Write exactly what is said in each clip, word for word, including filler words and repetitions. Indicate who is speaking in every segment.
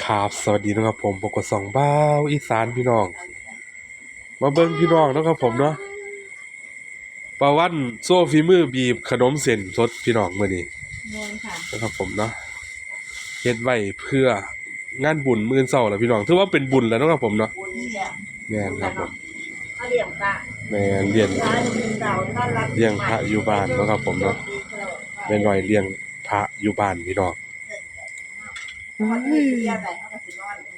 Speaker 1: ครับสวัสดีนะครับผมปกสองบ้าวอีสานพี่น้องมาเบิ่งพี่น้องนะครับผมเนาะปาวันโซ่ฝีมือบีบขนมเส้นสดพี่น้องมื้อนี้
Speaker 2: เงินค่ะ
Speaker 1: นะครับผมเนาะเฮ็ดไว้เพื่องานบุญมื้อเช้าแล้วพี่น้องถือว่าเป็นบุญแล้วนะครับผมเนาะ
Speaker 2: บุญเนี่ย
Speaker 1: แม่นครับผม
Speaker 2: เขาเลี้ยงพระ
Speaker 1: แม่นเลี้ยง
Speaker 2: ร้านเก่าต้อนรับ
Speaker 1: เลี้ยงพระอยู่บ้านนะครับผมเนาะแม่น้อยเลี้ยงพระอยู่บ้านพี่น้อง
Speaker 2: เขาเลี้ยงไปเขาก็สินอน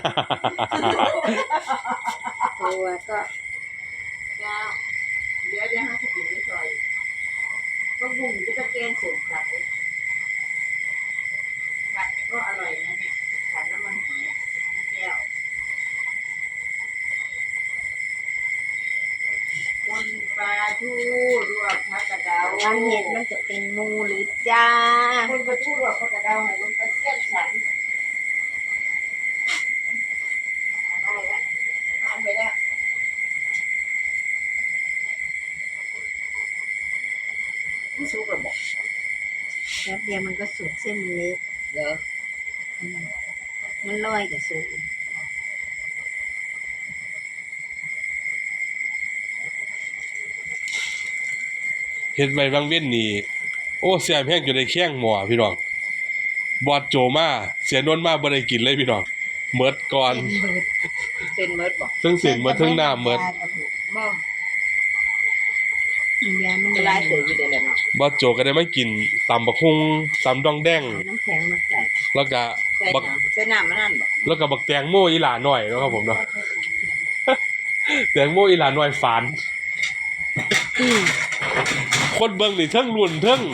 Speaker 2: ตัวก็เจ้าเดี๋ยวเดี๋ยวให้สิไปซอยก็บุ้งที่ตะเกียงสูงครับผัดก็อร่อยนะเนี่ยผัดน้ำมันหอยแก้วคนปลาทูรวบผักกระเดาวันเห็ดมันจะเป็นมูหรือจ้าคนปลาทูรวบผักกระเดาให้คนปลาเสี้ยนฉันได้แล้วทานไปแล้วไม่สุกหรอบอกแป๊บเดียวมันก็สุกเส้นเล็กเหรอมันลอยกับสุก
Speaker 1: เฮ็ดไว้บางเว้นนี่โอ้แซ่บแฮงจนได้แข้งหม้อพี่น้องบอดโจมาเสียนนมาบ่ได้กินเลยพี่น้องหมดก่อน
Speaker 2: เส้นเมิดบอก
Speaker 1: ซึ่งเส้นหมดทั้งน้ำหมด
Speaker 2: บ่ยามันหลายตัวอยู่เด้แหละเนาะ
Speaker 1: บอดโจก็ได้มากินตำบักฮุงตำดองแดง
Speaker 2: น้ำแข็งมาใส่
Speaker 1: แล้วก็
Speaker 2: บักใส่น้ำมันนั่นบ่
Speaker 1: แล้วก็บักแตงโมอีหลาน้อยเนาะครับผมเนาะแตงโมอีหลาน้อยฝาน
Speaker 2: อือ
Speaker 1: คนเบิ่งนี่เทิงรุ่นเทิง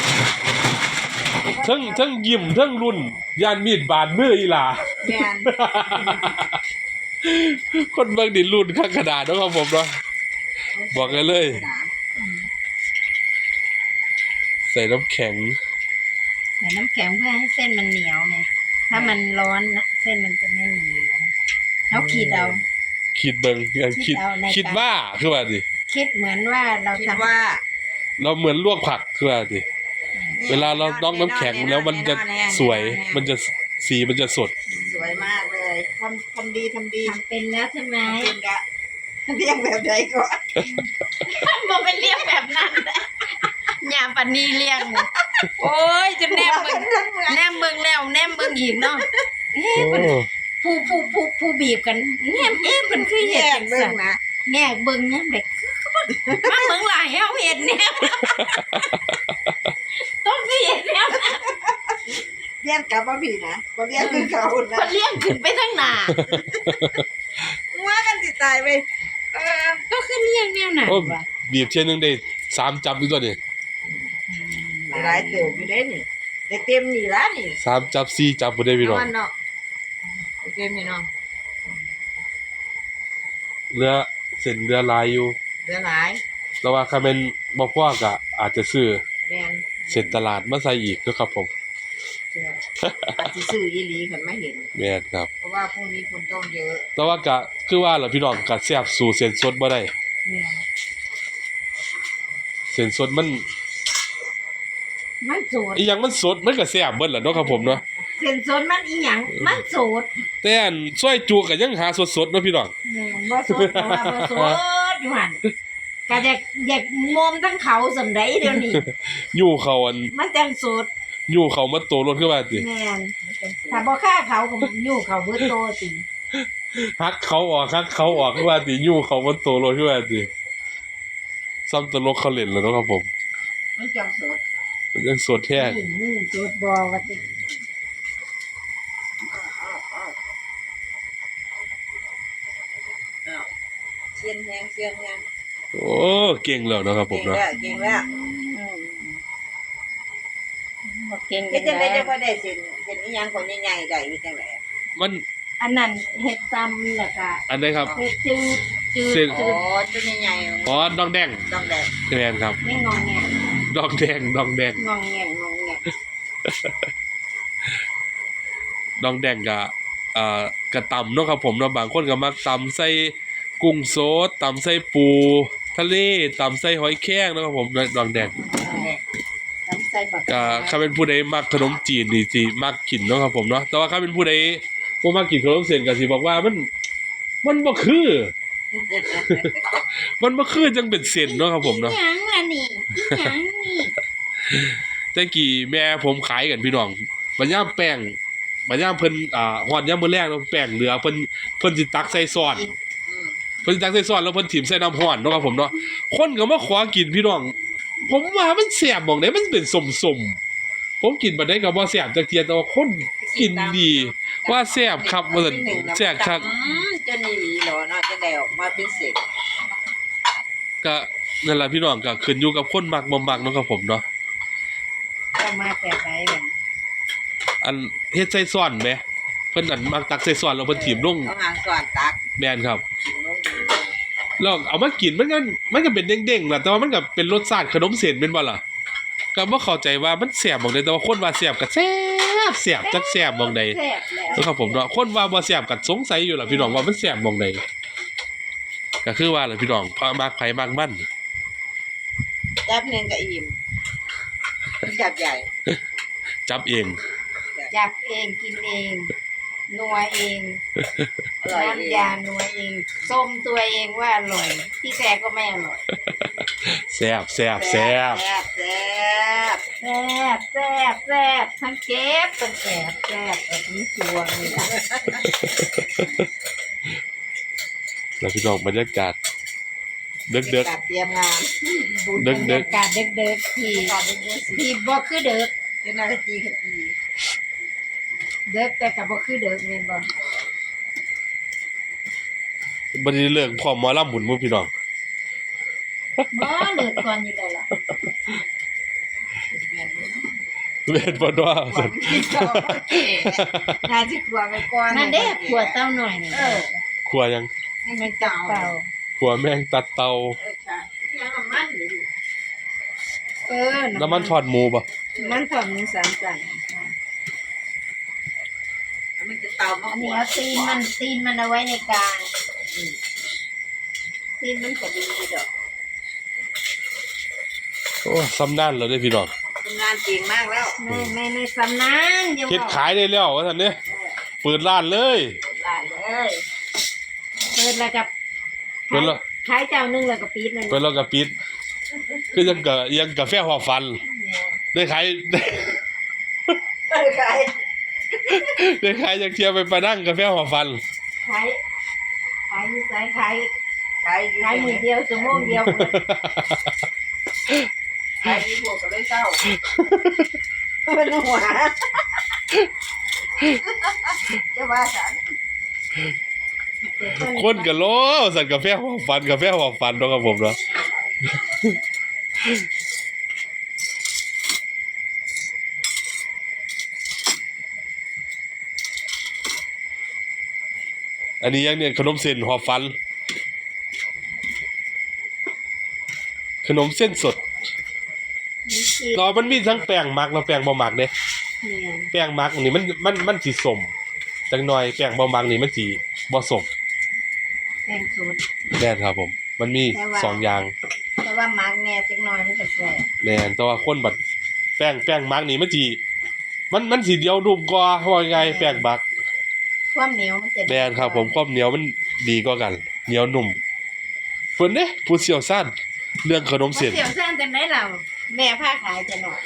Speaker 1: เทิงเทิงยิ้มเทิงรุ่นย่านมีดบาดมืออีหลา
Speaker 2: แม่น
Speaker 1: คนเบิ่งนี่รุ่นคักขนาดเนาะครับผมเนาะบอกกันเลยใส่น้ำแข็ง
Speaker 2: ใส่น้ำแข็งเพื่อให้เส้นมันเหนียวไงถ้ามันร้อนนะเส้นมันจะไม่เหนียวเขาขีดเอา
Speaker 1: คิดเบิ่งคิดคิดว่าคือว่าดิ
Speaker 2: คิดเหมือนว่าเราทำว่า
Speaker 1: เราเหมือนลวกผักคือว่าดิเวลาเราต้องน้ำแข็งแล้วมันจะสวยมันจะสีมันจะสด
Speaker 2: สวยมากเลยทำทำดีทำดีทำเป็นแล้วใช่ไหมเรียกแบบใดก็บอกเป็นเรียกแบบนั้นยาปนีเรียกโอ้ยจะแนมมึงแนมมึงแล้วแนมมึงอีกเนาะผู้ผู้ผู้ผู้บีบกันแนมเอ๊ะมันคือเห็ดจังสันนะแง่เบิ่งเนี่ยเด็กมาเบิ่งหลายเอาเห็ดเนี่ยต้องคือเห็ดเนี่ยเลี้ยงกับบ่ผีนะบ่เลี้ยงคือเขานะบ่เลี้ยงขึ้นไปทั้งหน้าว่ากันสิตายไปเออก็คือเลี้ยงแนวไหนวะ
Speaker 1: บีบเที่ยนึงได้สามจับอยู่ตัวนี้
Speaker 2: หลายเติบอยู่ได้นี่ได้เต็มนี่ละนี่
Speaker 1: สามจับสี่จับบ่ได้พี่น้อง
Speaker 2: เนาะเต็มนี่เนาะ
Speaker 1: เรือเส้นเรือลายอยู่
Speaker 2: เรือหลาย
Speaker 1: แต่ว่าคันแม่นบ่พอก็อาจจะซื้อ
Speaker 2: แม่น
Speaker 1: เส้นตลาดมาใส่อีกเด้อครับผม
Speaker 2: อาจสิซื้ออีหลีคันมาเห็น
Speaker 1: แม่นครับ
Speaker 2: เพราะว่าพรุ่งนี้คนต้องเยอะ
Speaker 1: แต่ว่าก็คือว่าล่ะพี่น้องก็แซ่บสู่เส้นสดบ่ได้
Speaker 2: แม่น
Speaker 1: เส้นสดมัน
Speaker 2: มันสด
Speaker 1: อีหยังมันสดมันก็แซ่บเบิดล่ะเนาะครับผมเนาะ
Speaker 2: เส้นสดมันอีหยังมันสด
Speaker 1: แต่อันซอยจูก็ยังหาสดๆเนาะพี่น้อง
Speaker 2: แม่นบ่สดเพราะว่าบ่สดอยู่หั่นก็อยากอยากมอมทั้งเขาสำใดเดี๋ยวนี้
Speaker 1: ยู่เขาอัน
Speaker 2: มันจังสด
Speaker 1: ยู่เขามาโตรถคือว่าติ
Speaker 2: แม่นถ้าบ่ฆ่าเขาก็ยู่เขาเบิดโตติ
Speaker 1: ฮักเขาออกฮักเขาออกคือว่าติยู่เขามาโตรถคือว่าติซ้ำตลกเขาเล่นแล้วเนาะครับผม
Speaker 2: มันจังสด
Speaker 1: มันจังสดแท้
Speaker 2: นี่สดบ่ว่าติเสียนแฮงเสียนแฮง
Speaker 1: โอ้เก่งแล้วเนาะครับผมเนาะ
Speaker 2: เก่งแล้วอืมบ่เก่งเฮ็ดจังได๋จังบ่ได้สิเฮ็ดอีหยังคนใหญ่ๆได้เฮ็ดจังได๋
Speaker 1: มัน
Speaker 2: อันนั้นเฮ็ดซ้ำแล้วก็
Speaker 1: อันใดครับ
Speaker 2: เฮ็ดจืดจืดอ๋อตัวใหญ่ๆ
Speaker 1: อ๋อดองแดง
Speaker 2: ดองแดง
Speaker 1: แม่นครับ
Speaker 2: ไม่งองแง
Speaker 1: ดองแดงดองแดง
Speaker 2: งองแงงองแง
Speaker 1: ดองแดงก็อ่ากระตำเนาะครับผมเนาะบางคนก็มักตำใส่กุ้งสดตำใส่ปูทะเลตำใส่หอยแครงนะครับผมดองแดง
Speaker 2: ตำใส่บัก
Speaker 1: ก็ถ้าเป็นผู้ใดมักขนมจีนนี่สิมักกินเนาะครับผมเนาะแต่ว่าถ้าเป็นผู้ใดบ่มากินขนมเส้นก็สิบอกว่ามันมันบ่คือ มันบ่คือจังเป็นเส้นเนาะครับผมเนาะ
Speaker 2: อีหยังล่ะนี่อีหยังนี่
Speaker 1: แต่กี้แม่ผมขายกันพี่น้องบัดยามแป้งบัดยามเพิ่นอ่าฮอดยามมื้อแรกเนาะแป้งเหลือเพิ่นเพิ่นสิตักใส่ซอสเพิ่นสิตักใส่ซอสแล้วเพิ่นถิ่มใส่น้ำร้อนเนาะครับผมเนาะคนก็มาขอกินพี่น้องผมว่ามันแซ่บหม้องใดมันเป็นส้มๆผมกินบัดใดก็บ่แซ่บจักเที่ยแต่ว่าคนกินดี ว่าแซ่บครับว่าซั่นแซ่บคัก
Speaker 3: อืมจะนี่หลีเหรอเนาะจะได้ออกมาเป็นเศษ
Speaker 1: ก็นั่นล่ะพี่น้องก็ขึ้นอยู่กับคนมักบ่มักเนาะครับผมเนาะ
Speaker 2: จะมาแบบไหนแบบ
Speaker 1: อันเฮ็ดใส่ซ้อนแหมเพิ่นอันมักตักใส่ซ้อนแล้วเพิ่นถิ่มลง
Speaker 3: เอาหางส่วนตัก
Speaker 1: แม่นครับ
Speaker 3: กินลง
Speaker 1: แล้วเอามากินมันก็มันก็เป็นเด้งๆล่ะแต่ว่ามันก็เป็นรสชาติขนมเส้นแม่นบ่ล่ะก็บ่เข้าใจว่ามันแซ่บหม่องใดแต่ว่าคนว่าแซ่บก็แซ่บแซ่บจักแซ่บหม่องใด
Speaker 2: แซ่บแล้ว
Speaker 1: เออครับผมเนาะคนว่าบ่แซ่บก็สงสัยอยู่ล่ะพี่น้องว่ามันแซ่บหม่องใดก็คือว่าล่ะพี่น้องพามักไผมักมัน
Speaker 3: จับหนึ่งก็อิ่มจับใหญ่
Speaker 1: จับเอง
Speaker 2: จับเองกินเองนัวเอง
Speaker 3: อร่อยเอง
Speaker 2: น้ำยานัวเองส้มตัวเองว่าอร่อยที่แท้ก็ไม่อร่อย
Speaker 1: แซ่บแซ่บแซ่บ
Speaker 3: แซ่บแซ่บ
Speaker 2: แซ่บแซ่บแซ่บทั้งเจ็บทั้งแซ่บแซ่บแบบนี้ชัวร์เลยนะ
Speaker 1: แล้วพี่น้องบรรยากาศเด็ก
Speaker 3: จัดเตรียมงาน
Speaker 1: เด็ก
Speaker 2: บรรยากาศเด็กเด็กๆที่
Speaker 3: ก่อนเด็กๆสิ
Speaker 2: ที่บ่คือเด็ก
Speaker 3: เป็นนาทีขจี
Speaker 2: เด็กแต่กับบ่คือเด็กแม่นบ่
Speaker 1: ๆบัดนี้เลิกพร้อมหมอลำบุญหมู่พี่น้อง
Speaker 2: บ่เลิกก่อนอยู่แล้วล่ะ
Speaker 1: เวทบ่ดว่าซั่น
Speaker 3: น่าจะกลัวไปก่อน
Speaker 2: นั่นเด้ขวดเต้าหน่อยนี่
Speaker 3: เออ
Speaker 1: ครัวยัง
Speaker 3: ให้มันเต่า
Speaker 2: เป่า
Speaker 1: ครัวแมงตัดเตา
Speaker 3: เออใช่ยังน้ำมันอยู่
Speaker 2: เออ
Speaker 1: น้ำมันทอดหมูบ่
Speaker 2: มันถอดหมูสามสั่น
Speaker 3: มันจะเตามา
Speaker 2: อันนี้เอาตีนมันตีนมันเอาไว้ในกลางตีนมันก็ดีอยู่ดอก
Speaker 1: โอ้ซ้ำนานแล้วเด้อพี่น้อง
Speaker 3: ทำงานเก่งมากแล้ว
Speaker 2: ไม่ไม่ไม่สำนานอย่า
Speaker 1: เฮ็ด
Speaker 2: บอก
Speaker 1: ขายได้แล้วว่าซั่นเด้เปิดร้านเลย
Speaker 3: ได้เลย
Speaker 2: เปิดแล้วกับ
Speaker 1: เปิดแล้ว
Speaker 2: ขายเจ้าหนึงแล้วก็ปิดนั่น
Speaker 1: เปิดแล้วก็ปิดคือยังกะยังกาแฟหัวฟัน ได้ขาย ได้
Speaker 3: เออใคร
Speaker 1: ได้ขายจักเที่ยวไปประดังกาแฟหัวฟัน
Speaker 2: ขายขายอยู่ไสขาย
Speaker 3: ใครอยู่
Speaker 2: ขายมือเดียวชั่วโมงเดียว
Speaker 3: ใครมีพวกก็เลยเศร้าเป็นหัวจะว่าฉัน
Speaker 1: คนก็โลสั่นกาแฟหัวฟันกาแฟหัวฟันเนาะครับผมเนาะ อันนี้ยังเนี่ยขนมเส้นหัวฟัน ขนมเส้นสด
Speaker 2: นี่สิ
Speaker 1: เนาะมันมีทั้งแป้งมักและแป้งบ่มักเด้
Speaker 2: เนี่ย
Speaker 1: แป้งมักนี่มันมันมันสิสมจังหน่อยแป้งบ่มักนี่มันสิบ่สม
Speaker 2: แป้งสูตร
Speaker 1: แม่นครับผม มันมี
Speaker 2: แต่ว่า
Speaker 1: สองอย่าง
Speaker 2: แต่ว่ามักแน่จักหน่อยมันก็แซ่บ
Speaker 1: แม่นแต่ว่าคนบัดแป้งแป้งมักนี่มันสิมันมันสิเดียวนุ่มกว่าว่าไงแป้งมัก
Speaker 2: ความเหนียวมันจะดี
Speaker 1: แม่นครับผมความเหนียวมันดีกว่ากัน เหนียวนุ่มเพิ่นเด้ผู้เชี่ยวชาญเรื่องขนม
Speaker 2: บ่
Speaker 1: เส้น
Speaker 2: เสียวซ่านจังได๋ล่ะแม่พาขายจะหน่อย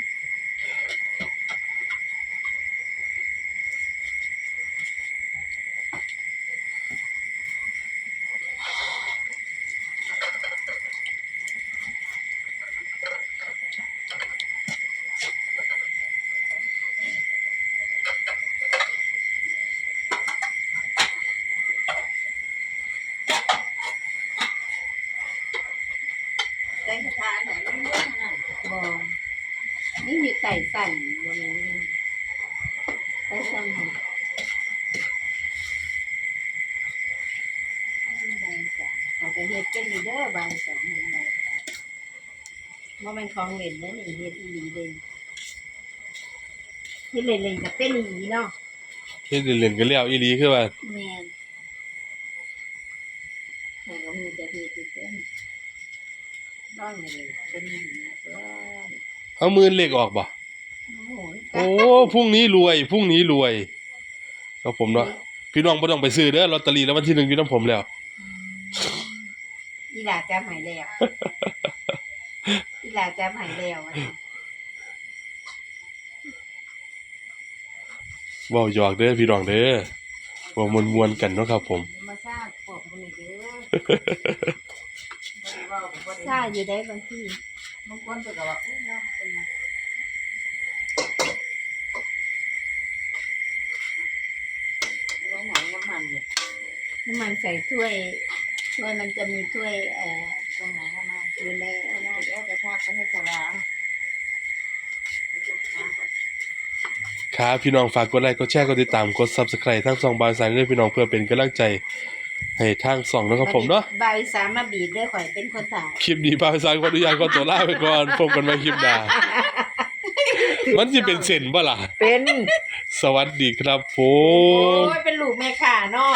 Speaker 3: แตงกระทานไหนไม่รู้นั่น
Speaker 2: บ่นี่มีไก่สั่นบ่มีไก่สั่นบ่เอาไปเฮ็ดเป็นอยู่เด้อบางสองเฮ็ดได้บ่แม่นของเล่นเด้อนี่เฮ็ดอีหลีเด้เฮ็ดเล่นๆก็เป็นอีหลีเนาะ
Speaker 1: เฮ็ดเล่นๆก็แล้วอีหลีคือว่า
Speaker 2: แม่นแต่ก็มีแต่เฮ็ดอยู่เป็นน้องนี่เป็นอีหลีเด้อ
Speaker 1: เอามือเลขออกบ่
Speaker 2: โอ้โห
Speaker 1: โอ้พรุ่งนี้รวยพรุ่งนี้รวยครับผมเนาะพี่น้องบ่ต้องไปซื้อเด้อลอตเตอรี่แล้ววันที่หนึ่งอยู่นํผมแล้ว
Speaker 2: อีหลาจำหายแล้วอีหลาจำหายแล้วอะ
Speaker 1: เว้าหยอกเด้อพี่น้องเด้อเว้ามวนๆกันเนาะครับผม
Speaker 3: มาทราบพวกคนนี้เด้อบ่ได้เว้าบ่ได้
Speaker 2: ซ่าอยู่ได้บางที
Speaker 3: บางคนเพิ่นก็ว่าอุ้ยเนาะเป็นหยังไว้หนังน้ำมันเนี่ย
Speaker 2: น้ำมันใส่ถ้วยถ้วยมันจะมีถ้วยเอ่อ
Speaker 3: ตรงไหนน้ำมัน
Speaker 2: อยู่ใน
Speaker 3: เอาหน้าเดี๋ยวกระทากไปให้สว่าง
Speaker 1: ครับพี่น้องฝากกดไลค์กดแชร์กดติดตามกด Subscribe ทั้งสองบายสายด้วยพี่น้องเพื่อเป็นกำลังใจให้ทางสองเนาะครับผมเนาะ
Speaker 2: ใบสามมาบีบด้วยข่อยเป็นคนถ่าย
Speaker 1: คลิปนี้บายสายขออนุญาตขอตัวลาไปก่อนพบกันใหม่คลิปหน้ามันสิเป็นเส้นบ่ล่ะ
Speaker 2: เป็น
Speaker 1: สวัสดีครับผ
Speaker 2: โอ้
Speaker 1: ม
Speaker 2: ยเป็นลูกแม่ข่าเนาะ